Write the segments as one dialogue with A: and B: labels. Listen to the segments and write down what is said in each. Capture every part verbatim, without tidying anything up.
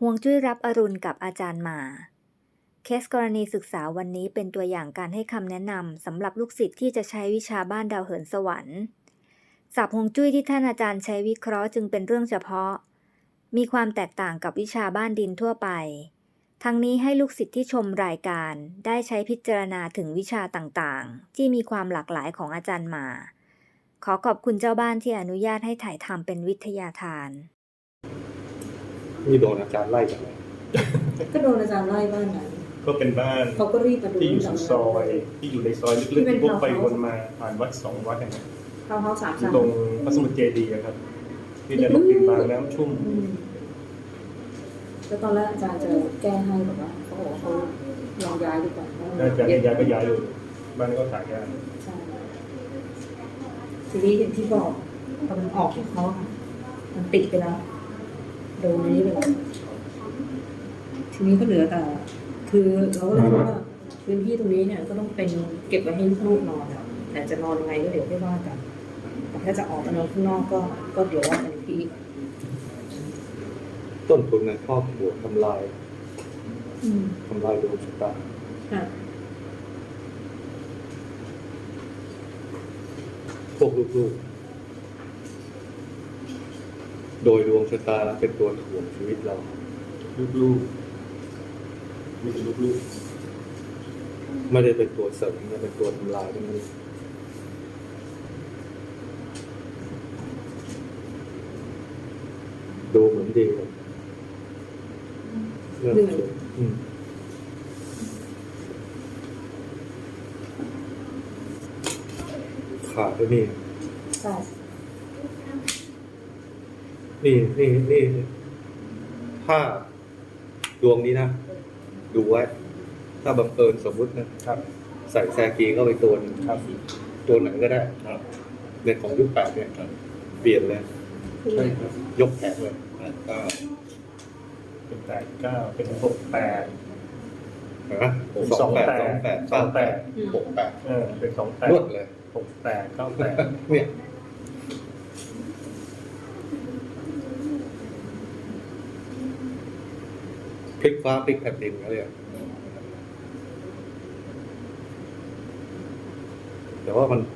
A: ฮวงจุ้ยรับอรุณกับอาจารย์หมาเคสกรณีศึกษาวันนี้เป็นตัวอย่างการให้คำแนะนำสำหรับลูกศิษย์ที่จะใช้วิชาบ้านดาวเหินสวรรค์ศัพท์ฮวงจุ้ยที่ท่านอาจารย์ใช้วิเคราะห์จึงเป็นเรื่องเฉพาะมีความแตกต่างกับวิชาบ้านดินทั่วไปทั้งนี้ให้ลูกศิษย์ที่ชมรายการได้ใช้พิจารณาถึงวิชาต่างๆที่มีความหลากหลายของอาจารย์หมาขอขอบคุณเจ้าบ้านที่อนุญาตให้ถ่ายทำเป็นวิทยาทาน
B: นี่โดนอาจารย์ไล่จากไหน
C: ก็โดนอาจารย์ไล่บ้านนั้น
D: ก็เป็นบ้าน
C: เขาก็รีบมาดู
D: ที่อยู่สุดซอยที่อยู่ในซอยลึกๆพวกไปวนมาผ่านวัดสองวัดอย่างเงี้ย
C: ทาวน์เฮาส์สามชั้น
D: ตรงพระสมุทรเจดีย์ครับที่จะลงดินบางน้ำชุ่ม
C: แล้วตอนแรกอาจารย์จะแก้ให้แบบว่าเขาบอกว่าเขาลองย้ายดีกว่า
D: อาจารย์ย้ายก็ย้ายเลยบ้านก็ขายยาก
C: ใช่ทีนี้อย่างที่บอกตอนมันออกของเขามันปิดไปแล้วโดนนี้ไปแล้วทีนี้ก็เหลือแต่คือเราก็เลยว่าพื้นที่ตรงนี้เนี่ยก็ต้องเป็นเก็บไว้ให้ลูกนอนอ่ะแต่จะนอนยังไงก็เดี๋ยวไม่ว่ากันแต่ถ้าจะออกไปนอนข้างนอกก็ก็เดี๋ยวว่ากันอีกที
B: ต้นทุนในครอบครัวทำลายทำลายดวงชะตาพวกลูกๆโดยดวงชะตาเป็นตัวถ่วงชีวิตเรา
D: ลูกๆมีลูก
B: ๆไม่ได้เป็นตัวเสริมไม่เป็นตัวทำลายทั้งนั้นดูเหมือนดีเลยเรื่องขาดด้วยนี่นี่นี่นี่ถ้าดวงนี้นะดูไว้ถ้าบังเอิญสมมุตินะครับใส่แซกีเข้าไปตัวนึงครับตัวไหนก็ได้ครับในของยุคแปดเนี่ยเปลี่ยนเลยใช่ครับยกแขนเลยก็
D: เป็นแปดเก้าเป็นหกแปด
B: นะสองแปดสองแปดสองแปดหกแปด
D: เออเป็นสองแปด
B: รวดเลย
D: หกแปดเก้าแปด
B: เนี่ยพลิกฟ้าพลิกแผ่นดินเขาเรียกแต่ว่ามัน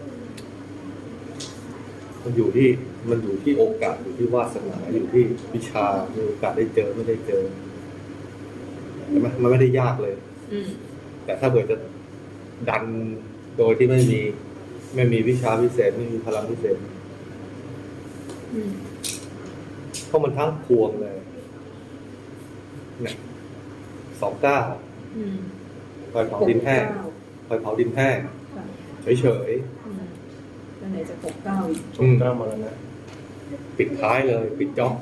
B: มันอยู่ที่มันอยู่ที่โอกาสอยู่ที่วาสนาอยู่ที่วิชามีโอกาสได้เจอไม่ได้เจอใช่ไหมมันไม่ได้ยากเลยแต่ถ้าเกิดจะดันโดยที่ไม่มีไม่มีวิชาพิเศษไม่มีพลังพิเศษเพราะมันทั้งพวงเลยเนี่ยสองเก้าคอยเผาดินแห้งคอยเผาดินแห้งเฉยเฉย
C: แล้วไหนจะหกเก้าอีก
D: หกเก้ามาแล้วนะ
B: ปิดท้ายเลยปิดจ็อบ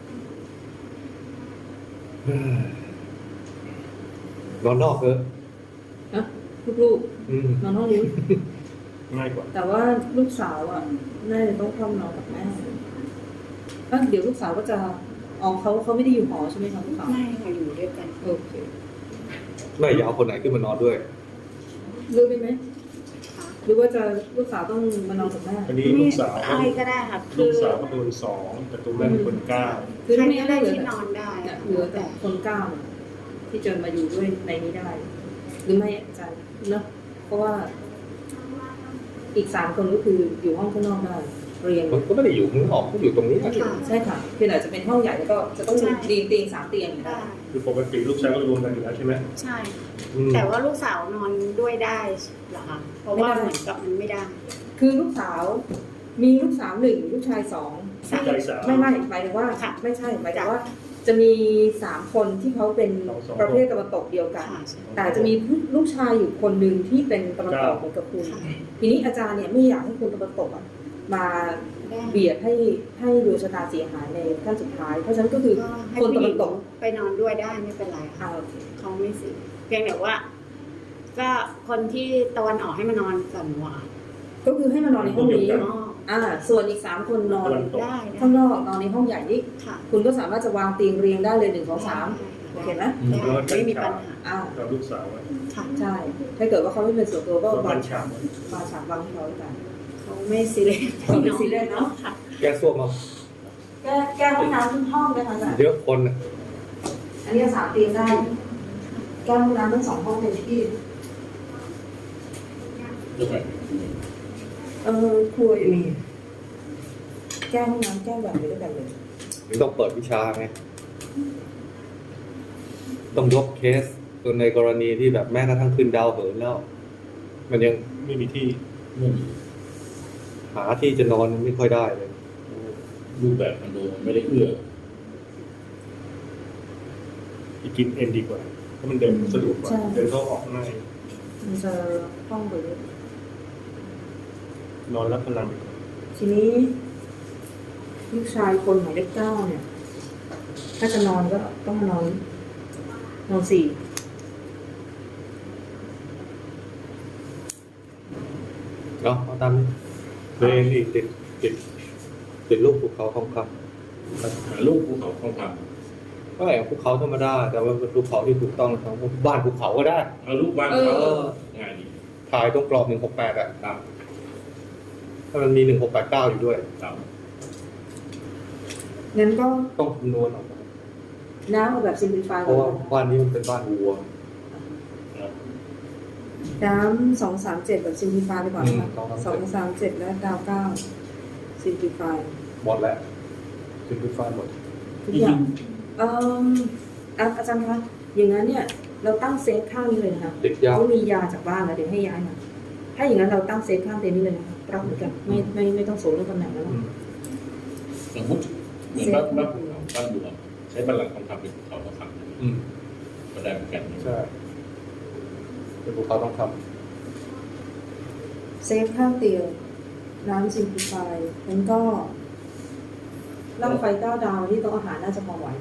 B: นอนนอกเถอะ
C: นะลูกๆนอนห้องนี้
D: ง่ายกว่า
C: แต่ว่าลูกสาวอ่ะน่าจะต้องเข้านอนกับแม่แล้วเดี๋ยวลูกสาวก็จะอ๋อเขาเขาไม่ได้อยู่หอใช่ไหมคะลูกสาว
E: ไม่ค่ะอยู่ด้วยกัน
C: โอเค
B: แม่อยากเอาคนไหนขึ้นมานอนด้วย
C: รู้ได้ไหมหรือว่าจะลูกสาวต้องมานอนกับแม่
D: อันนี้ลูกสาว
E: อะไรก็ได้ค่ะ
D: ลูกสาวก็โดนสองแต่ตัวแม่เป็นคนเก้า
C: คือ
E: ใคร
C: ไม่
E: ได้ที่นอนได้
C: เหลือแต่คนเก้าที่จะมาอยู่ด้วยในนี้ได้หรือไม่อาจารย์เนาะเพราะว่าอีกสามคนก็คืออยู่ห้องข้างนอกได้เรียน
B: ก็ไม่ได้อยู่ข้างนอกก็อยู่ตรงนี้
C: ใช่ค่ะเพียงแต่จะเป็นห้องใหญ่แล้วก็จะต้องเตียงเตียงสามเตียงได้
D: คือปกติลูกชายก็รวมกันอยู่แล้วใช่ไหม
E: ใช่แต่ว่าลูกสาวนอนด้วยได้เหรอคะเพราะว่าเหมือนกับมันไม่ได้
C: คือลูกสาวมีลูกสาวหนึ่งลูกชายสองไม่ไม่หมายถึงว่าไม่ใช่หมายถึงว่าจะมีสามคนที่เขาเป็นประเภทตะวันตกเดียวกันแต่จะมีลูกชายอยู่คนหนึ่งที่เป็นตะวันตกเหมือนกับคุณทีนี้อาจารย์เนี่ยไม่อยากให้คุณตะวันตกมาเบียดให้ให้ดวงชะตาเสียหายในขั้นสุดท้ายเพราะฉะนั้นก็คือคนตะวันตก
E: ไปนอนด้วยได้ไม่เป็นไรค่ะเขาไม่สิเพียงแต่ว่าก็คนที่ตะวันออกให้มานอนกับหนูอ่ะ
C: ก็คือให้มานอนในห้องนี้อ่าส่วนอีกสามคนนอนได้ข้างนอกนอนในห้องใหญ่นี้คุณก็สามารถจะวางเตียงเรียงได้เลยหนึ่งสองสามโอเคไหม
E: ไม่มีปัญหา
C: อ้าว
D: กับลูกสาว
C: ใช่ถ้าเกิดว่าเขาไม่เป็นส่วนตัวก็วางฉากวางฉากวางที่เขากัน
E: เขาไม่ซีเรียส
C: เขาไม่ซีเรียสเนาะ
B: แก้ส้วมมา
C: แก้แก้ห้องน้ำทุกห้องนะคะ
B: เยอะคน
C: อันนี้สามเตียงได้แก้วน้ำทั้งสองห้องเป็นที่
F: ยกไป
C: เออครัวอยู่นี่แก้วห้องน้ำแก้วแบบนี้ด้วยกันเลย
B: ถึงต้องเปิดวิชาไงต้องยกเคสตัวในกรณีที่แบบแม้กระทั่งขึ้นดาวเหินแล้ว มันยัง
D: ไม่มีที่
F: ไม่มี
B: หาที่จะนอนไม่ค่อยได้เลย
F: รูปแบบคอนโดมันไม่ได้เอื้อ
D: ไปกินเอ็นดีกว่าเพราะมันเดินสะดวกกว่าเดินเข้าออกง่าย
C: มันจะห้องไปเลย
D: นอนรับพลังไปก่อน
C: ทีนี้ลูกชายคนหมายเลขเก้าเนี่ย ถ้าจะนอนก็ต้องมานอนนอนสี่
B: เนาะเอาตามนี้เรนอีกติดติดติดรูปภูเขาทองค
F: หาลูกภูเขาทองค
B: ำก็อย่างภูเขาธรรมดาแต่ว่าเป็นภูเขาที่ถูกต้องทั้งบ้านภูเขาก็ได้
F: ำเอาลูกบ้านเขาง่ายดี
B: ถ่ายตรงกรอบหนึ่งหกแปดอ่ะ
F: ครับ
B: ถ้ามันมีหนึ่งหกแปดเก้าอยู่ด้วย
F: ครับ
C: งั้นก็
B: ต้องคำนวณออกมา
C: น้ำเอาแบบซิมพลิฟาย
B: เพราะว่าบ้านนี้มันเป็นบ้านวัว
F: ครับ
C: น้ำสองสามเจ็ดแบบซิมพลิฟายไปก่อนนะคะ
B: อืม
C: สองสามเจ็ดและดาวเก้าซิมพลิฟาย
B: หมดแล้วถึงเป็นฟ้าหมด
C: ทุกอย่างเอ่ออ่ะอาจารย์คะอย่างนั้นเนี่ย เราตั้งเซฟข้างนี้เลยนะคะ
B: ติดยาว
C: เขามียาจากบ้านแล้วเดี๋ยวให้ย้ายมาถ้าอย่างนั้นเราตั้งเซฟข้างเต็นท์นี้เลยนะคะรับเหมือนกันไม่ไม่ไม่ต้องโซนเรื่องตำแหน่งแล้ว
B: อื
C: นะ
B: ม
F: สมมติเหมือนบ้านบ้านภูเขาบ้านบัวใช้บ้านหลังทองคำเป็นภูเขาทองค
B: อืม
F: ำก็ได้เหมือนกัน
B: ใช่เป็นภูเขาต้องท
C: เซฟข้างเตียงน้ำซิมพลิฟายแล้วก็ร่างไฟเก้าดาวที่โต๊ะอาหารน่าจะพอไหว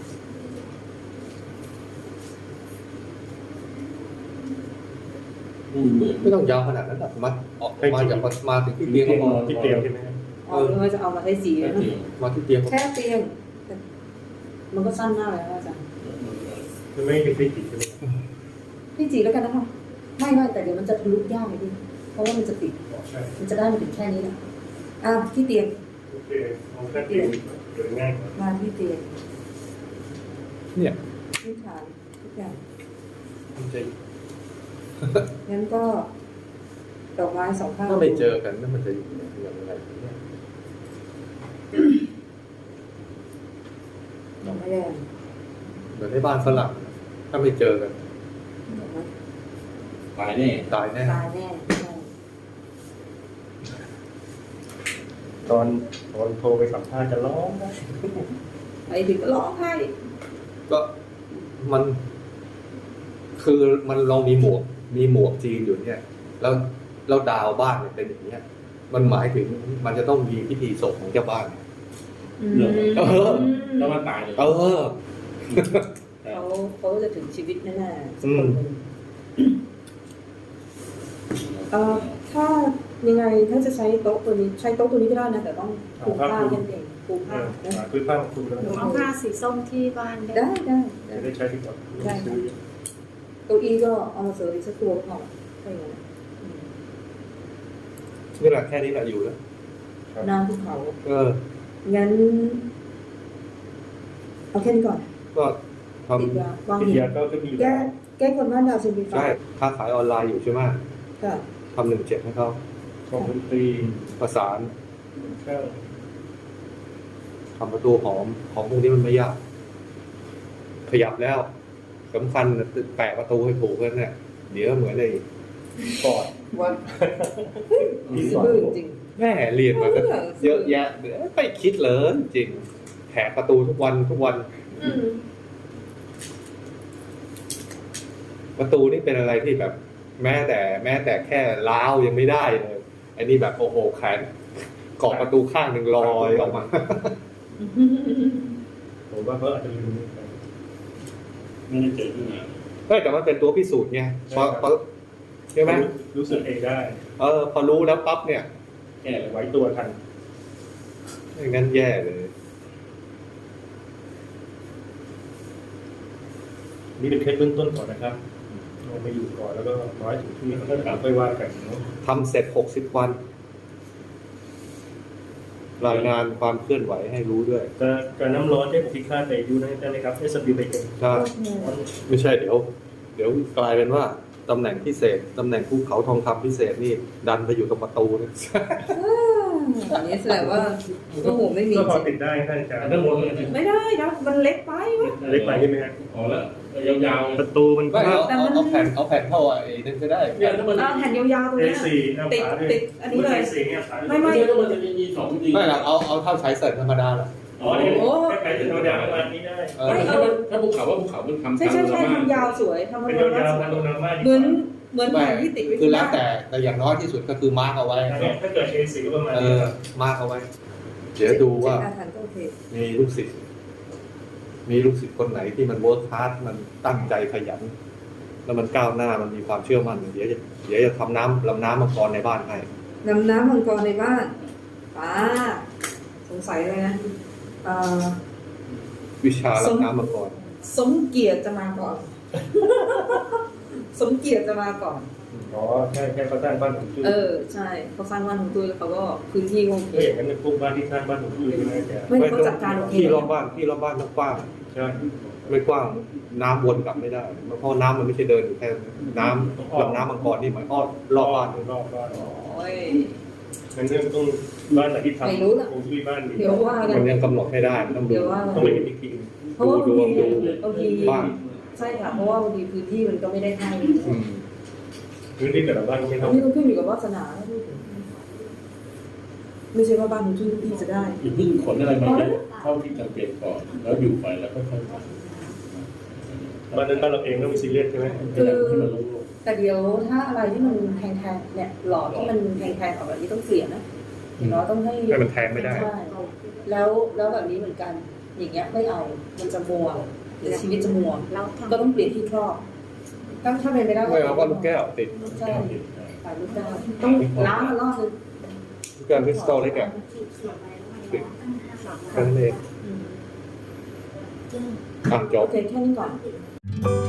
F: อืมเหมือน
B: ำไม่ต้องยาวขนาดนั้นหรอกมาออกมาจากมาถึงที่เตียงก็พอ
D: ที่เตียงใช่ไหมครับ
C: อ๋อหรือว่าจะเอามาใช้สี
F: แค่
C: นะ
F: เดียว
B: มาที่เตียงก็
C: แค่เตียงแต่มันก็สั้นมากเลยนะอาจารย์
D: มันไม่เป็นที่ติดใช่ไหมครับ
C: พี่จีแล้วกันนะคะไม่ไม่แต่เดี๋ยวมันจะทะลุยากเลยพี่เพราะว่ามันจะติด
D: อ๋อใช่
C: มันจะได้มาถึงแค่นี้แหละอ่ะที่เตียง
D: โอเคเอาแค่เตียงเดินง่ายกว่า
C: มาที่เตียง
B: เนี่ย
C: พื้นฐานทุกอย่าง
B: มันจะ
C: งั้นก็ดอกไม้สองข้าง
B: ถ้าไม่เจอกันนั่นมันจะอยู่อย่างไรเนี่ย
C: ดอกไม้แดง
B: เหมือนในบ้านฝรั่งถ้าไม่เจอกัน
C: ดอกไม้
F: ตายแน่
B: ตายแน่
C: ตายแน่ใช่
D: ตอนตอนโทรไปสัมภาษณ์จะร้องนะ
C: ไปถึงก็ร้องไห้
B: ก็มัน คือมันเรามีหมวก มีหมวกจีนอยู่เนี่ย แล้วแล้วดาวบ้านเนี่ยเป็นอย่างเนี้ย มันหมายถึงมันจะต้องมีพิธีศพของเจ้าบ้าน
C: อืม
B: เออ
F: แล้วมันตายเลย
B: เออ
C: เขาเขาจะถึงชีวิตแน่ๆสัก
B: อื
C: ค
B: ม
C: นหนึ่งเอ่อถ้ายังไงถ้าจะใช้โต๊ะตัวนี้ใช้โต๊ะตัวนี้ก็ได้นะแต่ต้องปูผ้าแค่นั้นเองปูผ้านะ
D: หาพื้นผ้าของคุณแล้ว
E: หนูเอาผ้าสีส้มที่บ้านได้
C: ได้ได้ได้
D: จะได้ใช้ที่ก่อน
C: ได้
D: ซื้อ
C: เก้าอี้ก็เอามาเสริมอีกสักตัวก็พออะไรอย่างเงี้ยอืม
B: นี่แหละแค่นี้แหละอยู่แล้ว
C: น้ำภูเขา
B: เออ
C: งั้นเอาแค่นี้ก่อน
B: ก็ท
C: ติดยาวาง
D: วิท
C: หิน
D: ยาก็จะมี
C: แก้แก้คนบ้านดาวซิมพลิ
B: ำ
C: ฟา
B: ใช่
C: ย
B: ค้าขายออนไลน์อยู่ใช่ไหม
C: ค่ะ
B: ทำหนึ่งเจ็ดให้เขา
D: ของดนตรี
B: ประสาน
D: เครื่อง
B: ทำประตูหอม ของพวกนี้มันไม่ยาก ขยับแล้วสำคัญแปะประตูให้ถูกกันเนี่ย เดี๋ยวเหมือนไอ้
D: ปอด
C: ว่า
D: มีส
C: ซื่
D: อ
C: อน จริง
B: แม่เรียนมาก็เยอะแยะเดี๋ยวไม่คิดเลยจริงแถประตูทุกวันทุกวัน
C: อืม
B: ประตูนี่เป็นอะไรที่แบบ แม้แต่แม้แต่แค่ล้าวยังไม่ได้เลยไอ้นี่แบบโอ้โหแขนเกาะประตูข้างหนึ่งลอยออกมา
D: ผมว่าเขาอาจจะลืมไป
F: ไม่ได้เจอขึ้นมา
B: เฮ้ยแต่มันเป็นตัวพิสูจน์ไงพอพอใช่ไหม
D: รู้สึกเองได้
B: เออพอรู้แล้วปั๊บเนี่ย
F: แก้เลย
D: ไว้ตัวทัน
B: ไม่งั้นแย่เลย
D: นี่เป็นเคสเบื้องต้นก่อนนะครับเราไปอยู่ก่อนแล้วก็ร้อยถึงที่แล้วก็ค่อยว่ากันเนาะ
B: ทำเสร็จหกสิบวันรายงานความเคลื่อนไหวให้รู้ด้วย
D: การการน้ำร้อนได้พิฆาตในอายุได้ไหมครับ เอส ดับเบิลยู ไปเอง
B: ใช่ไม่ใช่เดี๋ยว เดี๋ยวกลายเป็นว่าตำแหน่งพิเศษตำแหน่งภูเขาทองคำพิเศษนี่ดันไปอยู่ตรงประตูนี่
C: อันนี้แสดงว่าโอ้โหไม่มี
D: ก็พอติดได้ท่านอาจารย์
F: ด้านบนเลย
C: ไม่ได้นะมันเล็กไปวะ
D: เล็กไปใช่ไหมฮะ
F: อ๋อแล้วยาวๆ
D: ประตูมัน
B: ไม่เอา
C: แต่มัน
B: เอาเอาแผ่นเอาแผ่นเท่าไอ้นั่นก็ได้
F: เนี่ยถ้ามัน
C: เอาแผ่นยาวๆตรง
D: เอ
C: เนี้ย
D: สี่เอา
C: ติด
D: ฝาด้วย
C: ติดอันนี้เลย
D: เอสี่เนี่ยฝาด้วย
C: ไม่ไม่
F: ไม่ถ้ามันจะมีสองจริง
B: ไม่หรอกเอาเอาเท่าใช้เสร็จธรรมดาแหละ
F: อ๋อนี่
C: โอ้
D: ใครจะโดนด่าประมาณนี้ได้
B: เออ
F: ถ้ามันถ้าภูเขาว่าภูเขามันทำ
C: ใช่ใช่ใช่ทำยาวสวยทำ
D: เป็น
C: ยาว
D: ยาว
C: ส
D: ๆ
C: ว
D: มาย โดนน้ำมาก
C: เหมือนเหมือน
B: ไม่
C: แผ่นที่ติดไว้
B: คือ
C: ที่
B: แล้ว
C: บ้าน
B: แต่แต่อย่างน้อยที่สุดก็คือมาร์กเอาไว้
D: เนี่ยถ้าเกิด เอ สี่ ก็ประมาณ
B: เอ
D: นี้
B: อ
D: ครับ
B: มาร์กเอาไว้ เดี๋ยวดูว่า
C: เจ็ดอาถรรพ์ก็โอเค
B: มีลูกศิษย์มีลูกศิษย์คนไหนที่มันเวิร์คฮาร์ดมันตั้งใจขยัน แล้วมันก้าวหน้ามันมีความเชื่อมั่นเดี๋ยวจะเดี๋ยวจะทำน้ำลำน้ำมังกรในบ้านให้
C: นำน้ำมังกรในบ้านป้าสงสัยเลยนะเอ่อ
B: วิชาลำน้ำมังกร
C: สมเกียรติจะมาก่อน สมเกียรติจะมาก่อน
D: อ๋อใช่แค่เขาสร้างบ้านผมจุ้ย
C: เออใช่เขาสร้างบ้านของตุ้ยแล้วเขาก็พื้นที่โอเค
D: ก็อย่างนั้นพวกบ้านที่สร้างบ้านผมจุ้ยใช่ไหมอาจารย์
C: ไม่เขาจัดการโอเค
B: ที่รอบบ้านที่รอบบ้านต้องกว้าง
D: ใช่
B: ไม่กว้างน้ำวนกลับไม่ได้เพราะน้ำมันไม่ใช่เดินอยู่แค่น้ำลำน้ำมังกรนี่หมายอ้อมรอบบ้าน
D: รอบบ้าน
C: โอ้ย
D: งั้นเรื่องต้องบ้านไหนที่ทำ
C: ไม่รู้ล่ะ
D: ผมจุ้ยบ้านนี้
C: เดี๋ยวว่ากั
B: มัน นยังกำหนดไม่ได้มันต้องดู
C: เดี๋ยวว่า
D: ต้องไปเห็นอีกที
C: เพราะว่าบางที
B: ดูดวงดู
C: บางที
B: บ้าน
C: ใช่ค่ะเพราะว่าบางทีพื้นที่มันก็ไม่ได้ให้
B: อืม
D: พื้นที่แต่ละบ้านก็ไม่
C: อั
D: เท่าน
C: นี้ต้องขึ้นอยู่กับวาสนาไม่ใช่ว่าบ้านของตุ้ยทุกที่จะได้
F: อย่าเพิ่งขนอะไรมาเยอะเท่าที่จำเป็นก่อนแล้วอยู่ไปแล้วก็ค่อยๆทำ
D: บ้านนั้นบ้านเราเองก็มีซีเรียสใช่ไหม
C: คือ
F: ให้มันรู้
C: แต่เดี๋ยวถ้าอะไรที่มันแพงๆเนี่ยหลอดที่มันแพงๆออกแบบนี้ต้องเสียนะอย่างน้อยต้องให้
B: ให้มันแทงไม่ได้
C: ใช่แล้วแล้วแบบนี้เหมือนกัน อย่างเงี้ยไม่เอามันจะมัวหรือชีวิตจะมัว
E: เราทำ
C: ก็ต้องเปลี่ยนที่ครอบถ้าถ้าเป็นไปได้
B: ไม่เอาก็ลูกแก้วติด
C: ใช่ฝ่ายลูกแก้วต้องล้างมันรอบนึง
B: ลูกแก้วคริสตัลเล็กอะติดแค่นั้นเองอ่ะจ
C: โอบ เคแค่นี้ก่อน